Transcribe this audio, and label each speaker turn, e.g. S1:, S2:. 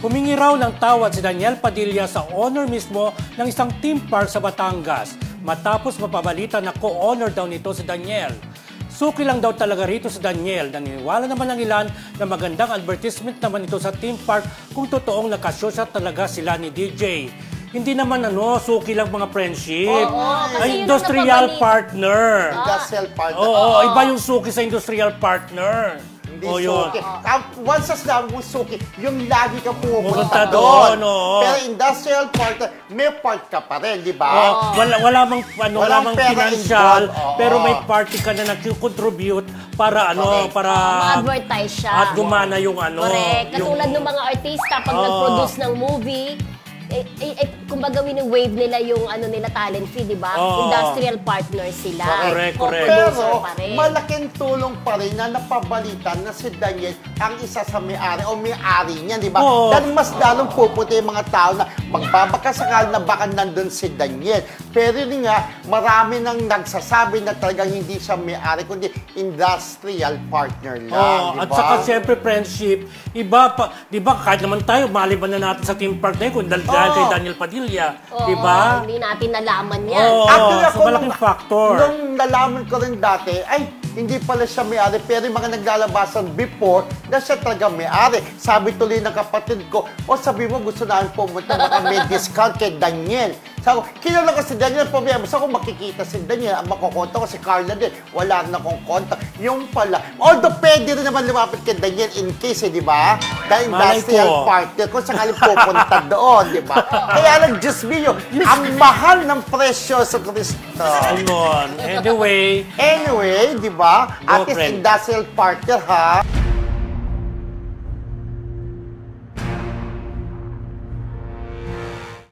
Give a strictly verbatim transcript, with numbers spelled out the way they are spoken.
S1: Humingi raw ng tawad si Daniel Padilla sa owner mismo ng isang theme park sa Batangas matapos mapabalita na co-owner daw nito si Daniel. Suki lang daw talaga rito si Daniel. Naniniwala naman ng ilan na magandang advertisement naman ito sa theme park kung totoong nakasosya talaga sila ni D J. Hindi naman ano, suki lang mga friendship.
S2: Oo, kasi
S1: Ay,
S2: yun ang
S1: industrial
S2: napabali-
S1: partner.
S3: Industrial partner.
S1: Oo,
S3: Oo.
S1: iba yung suki sa industrial partner.
S3: Hindi
S1: O, yun.
S3: suki. Ah, once sa sinabi mong suki, yung lagi ka
S1: Pupunta
S3: pumupunta
S1: doon,
S3: doon.
S1: oo.
S3: Pero industrial partner, may part ka pa rin, di ba?
S1: Oh, wala wala mang ano, wala
S3: Walang
S1: mang
S3: pera
S1: financial,
S3: involved, oo.
S1: pero may party ka na nag-contribute para ano,
S3: Correct.
S1: para
S2: Ma-advertise siya.
S1: at gumana yung ano,
S2: Correct.
S1: yung
S2: Katulad ng mga artista, pag
S1: Oo.
S2: nag-produce ng movie, eh, eh, eh, kumbaga wini-wave nila yung ano nila talent fee, di ba?
S1: Oo.
S2: Industrial partner sila.
S1: Correct, correct.
S2: Co-producer
S3: Pero
S2: pa rin.
S3: malaking tulong pa rin na napabalitan na si Daniel ang isa sa may-ari o may-ari niya, di ba?
S1: Oo.
S3: Dahil mas lalong pupunta yung mga tao na magbabakasakal na baka nandun si Daniel. Pero yun nga, marami nang nagsasabi na talagang hindi siya may-ari, kundi industrial partner lang,
S1: Oh,
S3: di
S1: at
S3: ba?
S1: saka siyempre friendship, iba pa, 'di ba? Kahit naman tayo maliban na natin sa team park na yun kung dahil dahil
S3: Oo.
S1: kay Daniel Padilla,
S2: Oo,
S1: 'di ba?
S2: Hindi natin nalaman yan.
S1: Oo,
S3: Actually,
S1: so
S3: ako
S1: malaking
S3: nung-
S1: factor.
S3: Nung nalaman ko rin dati, ay, hindi pala siya may-ari, pero yung mga naglalabasan before, na siya talaga may-ari. Sabi tuloy ng kapatid ko, o sabi mo gusto namin pumunta, baka may discount kay Daniel. Sabi ko, kilala ko si Daniel, problema. Sa ako makikita si Daniel, ang makukonta ko si Carla din. Wala rin akong kontak. Yung pala. Although pwede rin naman lumapit kay Daniel in case, eh, di ba? Dahil
S1: Malay
S3: industrial
S1: ko.
S3: partner, kung sakaling pupunta doon, di ba? Kaya lang, Diyos mio, ang mahal ng presyo sa Kristo.
S1: Ayun. Anyway,
S3: Anyway, di ba?
S1: Go,
S3: At least
S1: friend.
S3: industrial partner, ha?